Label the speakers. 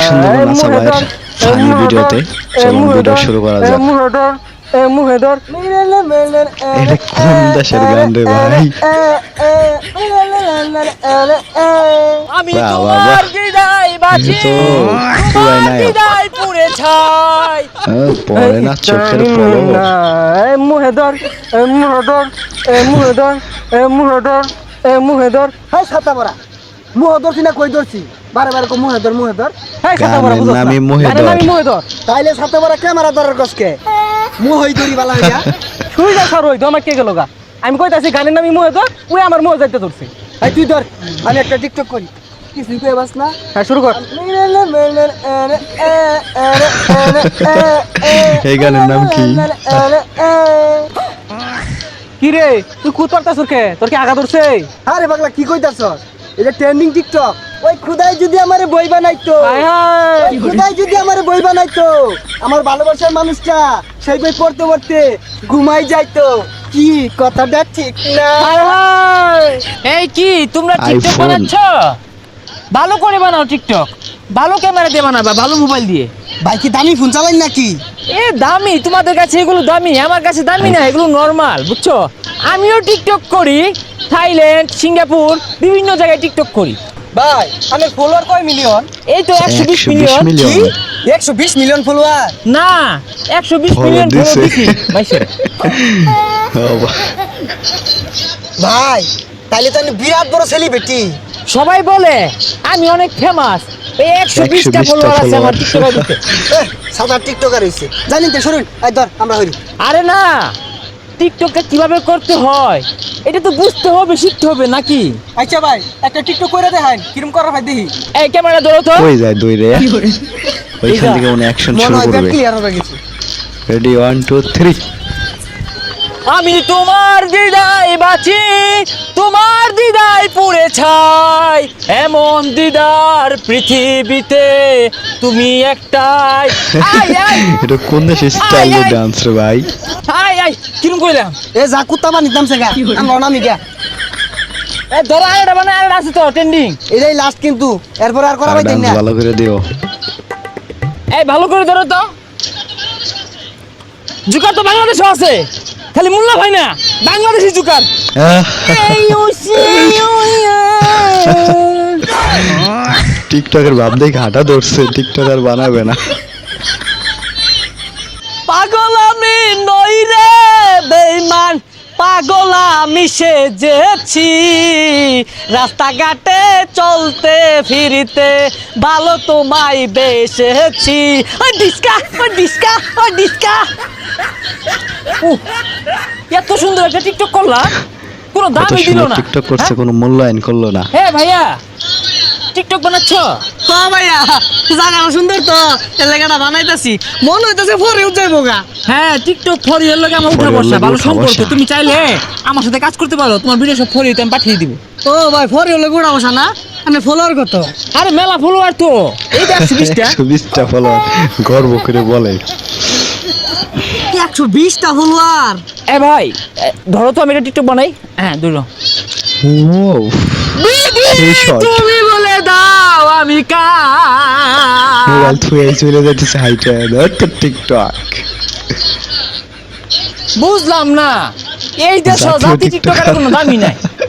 Speaker 1: সুন্দর নাচা ভাইয়ের ফানি ভিডিওতে। চলুন ভিডিও শুরু করা যাক। এটা কোন দেশের গান রে ভাই?
Speaker 2: আমি
Speaker 1: বাহ, বাহ,
Speaker 2: তোমার
Speaker 1: বাহ।
Speaker 2: হৃদয় বাঁচি,
Speaker 1: তো
Speaker 2: তোমার
Speaker 1: পুরাই নায়ক।
Speaker 2: হৃদয় পুড়ে ছাই।
Speaker 1: পরে না চোখের পলক।
Speaker 3: হাই ছাতা পরা মুহ ধরছি না কই ধরছি বারে বারে কো মুহে ধর
Speaker 1: গানের নামই মহেদর।
Speaker 3: তাইলে ছাতা পরা ক্যামেরা ধরার কসকে মুহই ধরি বালা হইয়া
Speaker 2: আমি কইতাছি গানের নামই মুহেদর, ওই আমার মুহে যাইতে ধরছে।
Speaker 3: এই তুই ধর আমি একটা টিকটক করি কিছুই কই বাস না
Speaker 2: হ্যাঁ, শুরু কর।
Speaker 1: এই গানের নাম কি?
Speaker 2: কি রে তুই খুদ পারতাছ কে? তোর কি আগা ধরছে?
Speaker 3: আরে পাগলা কি কইতাছ এটা ট্রেন্ডিং টিকটক ওই খুদাই যদি আমারে বই বানাইতো
Speaker 2: হায় হায়।
Speaker 3: ওই খুদাই যদি আমারে বই বানাইতো আমার ভালোবাসার মানুষটা সেই বই পড়তে পড়তে ঘুমাই যাইতো কি কথাটা ঠিক না
Speaker 2: হায় হায়। এই কি তোমরা টিকটক
Speaker 1: iPhone।
Speaker 2: বানাচ্ছ? ভালো করে বানাও টিকটক, ভালো ক্যামেরা দিয়ে বানাবা, ভালো মোবাইল দিয়ে।
Speaker 3: ভাই কি দামি ফোন চালাই নাকি
Speaker 2: এ দামি, তোমাদের কাছে এগুলো দামি, আমার কাছে দামি না, এগুলো নরমাল, বুঝছো? আমিও টিকটক করি, থাইল্যান্ড, সিঙ্গাপুর, বিভিন্ন জায়গায় টিকটক করি।
Speaker 3: ভাই আমার ফলোয়ার কয় মিলিয়ন
Speaker 2: এই তো 120
Speaker 1: 120
Speaker 2: মিলিয়ন।
Speaker 1: মিলিয়ন।
Speaker 3: কি 120 মিলিয়ন ফলোয়ার
Speaker 2: না, 120
Speaker 1: Follow
Speaker 2: মিলিয়ন ফলো
Speaker 1: দিছে।
Speaker 2: দিছি মাইসে।
Speaker 3: ভাই তাইলে তো আমি বিরাট বড় সেলিব্রিটি
Speaker 2: সবাই বলে আমি অনেক ফেমাস। এই 120টা
Speaker 1: 120টা
Speaker 2: ফলোয়ার আছে আমার
Speaker 1: follower।
Speaker 2: টিকটক আইডিতে।
Speaker 3: সাদা টিকটকার হইছে জানেন তো শুনুন এই ধর আমরা হইরি
Speaker 2: আরে না, টিকটকটা কিভাবে করতে হয় এটা তো বুঝতে হবে, শিখতে হবে নাকি?
Speaker 3: আচ্ছা ভাই একটা টিকটক কইরা দেখান কিরম করা ভাই দেখি
Speaker 2: এই ক্যামেরা ধরো তো।
Speaker 1: কই যায় দৌড়ে? ওইখান থেকে মনে অ্যাকশন
Speaker 3: মনে
Speaker 1: শুরু
Speaker 3: হয়
Speaker 1: করবে।
Speaker 3: ক্লিয়ার হয়ে গেছে
Speaker 1: রেডি 1 2 3।
Speaker 2: আমি তোমার দিদায় বাঁচি, তোমার দিদায় পুড়ে ছাই, এমন দিদার পৃথিবীতে তুমি একটাই। আই আই
Speaker 1: এটা কোন দেশের স্টাইলে
Speaker 2: আয়।
Speaker 1: ডান্স রে ভাই?
Speaker 2: আই আই কিরম কইলাম?
Speaker 3: এ যা কুত্তা বানি দাম সেগা আমরা নামি গা
Speaker 2: এ ধরো আরেকটা বানায়, আরেকটা আছে তো ট্রেন্ডিং।
Speaker 3: এটাই লাস্ট কিন্তু এরপর আর করা
Speaker 1: আর
Speaker 3: ভাই দেন
Speaker 1: ডান্স
Speaker 3: না
Speaker 1: ভালো করে দিও।
Speaker 2: এই ভালো করে ধরো তো। জুকার তো বাংলাদেশে আছে, খালি মোল্লা ভাই না, বাংলাদেশি জুকার। এই ওসি
Speaker 1: টিকটকের ভাব দেখে হাঁটা ধরছে, টিকটক আর বানাবে না।
Speaker 2: পাগল আমি নই রে বেঈমান, পাগল আমি সেজেছি, রাস্তাঘাটে চলতে ফিরিতে ভালো তোমায় বেসেছি। ওই ডিস্কা, ওই ডিস্কা, ওই ডিস্কা। উহ, এত সুন্দর একটা টিকটক করলা, কোনো
Speaker 1: এত
Speaker 2: দামই দিল
Speaker 1: সুন্দর
Speaker 2: না।
Speaker 1: টিকটক করছে,
Speaker 2: হ্যাঁ?
Speaker 1: কোনো মূল্যায়ন করলো না।
Speaker 2: হ্যাঁ ভাইয়া, টিকটক বানাচ্ছ?
Speaker 3: হ্যাঁ ভাইয়া জায়গা সুন্দর তো এর লাগাটা বানাইতাছি মন হইতাছে পরে যাইবো গা
Speaker 2: হ্যাঁ, টিকটক ফর ইউর লগে আমার উঠা
Speaker 1: For your
Speaker 2: বসা,
Speaker 1: লগে
Speaker 2: ভালো
Speaker 1: উঠা
Speaker 2: সম্পর্ক।
Speaker 1: বসা।
Speaker 2: তুমি চাইলে আমার সাথে কাজ করতে পারো, তোমার ভিডিও সব ফর ইউতে আমি পাঠিয়ে দিব।
Speaker 3: ও ভাই পরে হলে গোড়া বসা না আমি ফলোয়ার কত
Speaker 2: আরে মেলা ফলোয়ার তো, এই যে 120টা।
Speaker 1: 120টা ফলোয়ার গর্ব করে বলে।
Speaker 3: 120টা ফলোয়ার
Speaker 2: এ ভাই, ধরো তো আমি একটা টিকটক বানাই। হ্যাঁ ধরো।
Speaker 1: ও সেই shot।
Speaker 2: তুমি বলে দাও আমি
Speaker 1: মোবাইল থুয়ে চলে যাইতেছে হাইটা টিকটক।
Speaker 2: বুঝলাম না, এই দেশ
Speaker 1: জাতীয়
Speaker 2: জাতি
Speaker 1: টিকটকার।
Speaker 2: টিকটকের কোনো দামই নাই।